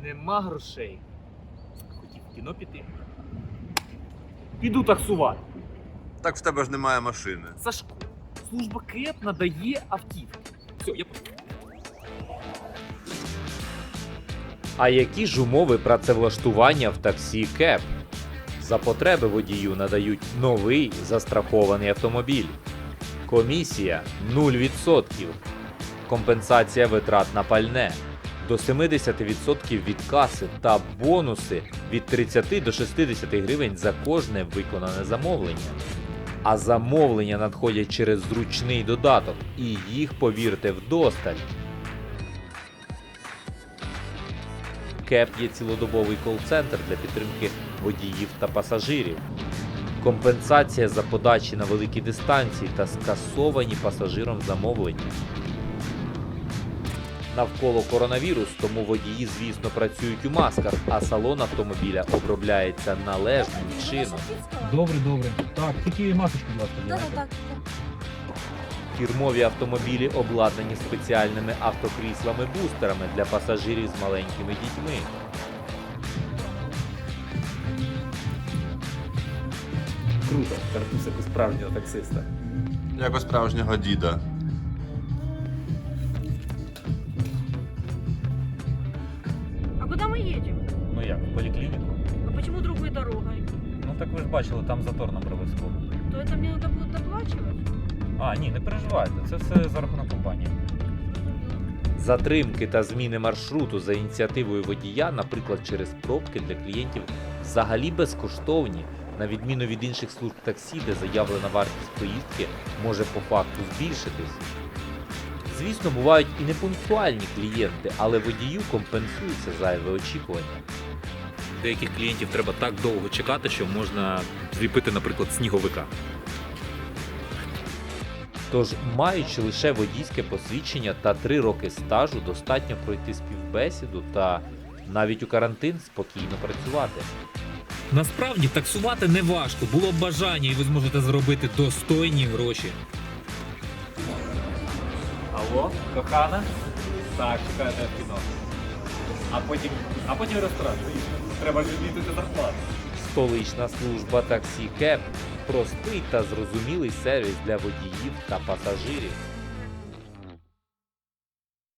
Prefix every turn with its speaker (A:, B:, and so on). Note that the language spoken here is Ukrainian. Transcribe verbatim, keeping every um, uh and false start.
A: Нема грошей. Хотів в кіно піти. Піду таксувати.
B: Так в тебе ж немає машини.
A: Сашко, служба КЕП надає автівки. Все, я...
C: А які ж умови працевлаштування в таксі КЕП? За потреби водію надають новий застрахований автомобіль. Комісія нуль відсотків. Компенсація витрат на пальне до сімдесят відсотків від каси та бонуси від тридцять до шістдесят гривень за кожне виконане замовлення. А замовлення надходять через зручний додаток, і їх, повірте, вдосталь. КЕП є цілодобовий кол-центр для підтримки водіїв та пасажирів. Компенсація за подачі на великі дистанції та скасовані пасажиром замовлення. Навколо коронавірус, тому водії, звісно, працюють у масках, а салон автомобіля обробляється належним чином.
D: Добре, добре. Так, тільки масочку, будь ласка,
E: Так,
D: давайте.
E: так,
C: Фірмові автомобілі обладнані спеціальними автокріслами-бустерами для пасажирів з маленькими дітьми.
A: Круто, картусь як у справжнього таксиста.
B: Як у справжнього діда.
E: А куда мы едем?
D: Ну як, в поліклініку?
E: А почему другой дорогой?
D: Ну так ви ж бачили, там затор на Броварську.
E: То это мне надо будет доплачивать?
D: А, ні, не переживайте, це все за рахунок компанії.
C: Затримки та зміни маршруту за ініціативою водія, наприклад, через пробки для клієнтів, взагалі безкоштовні, на відміну від інших служб таксі, де заявлена вартість поїздки може по факту збільшитись. Звісно, бувають і непунктуальні клієнти, але водію компенсується зайве очікування.
A: Деяких клієнтів треба так довго чекати, що можна зліпити, наприклад, сніговика.
C: Тож, маючи лише водійське посвідчення та три роки стажу, достатньо пройти співбесіду та навіть у карантин спокійно працювати.
F: Насправді таксувати не важко, було б бажання і ви зможете заробити достойні гроші.
A: Алло, кохана? Так, чекаю тебе в кіно. А потім, а потім ресторан. Треба ж відмітити зарплату.
C: Столична служба таксі КЕП – простий та зрозумілий сервіс для водіїв та пасажирів.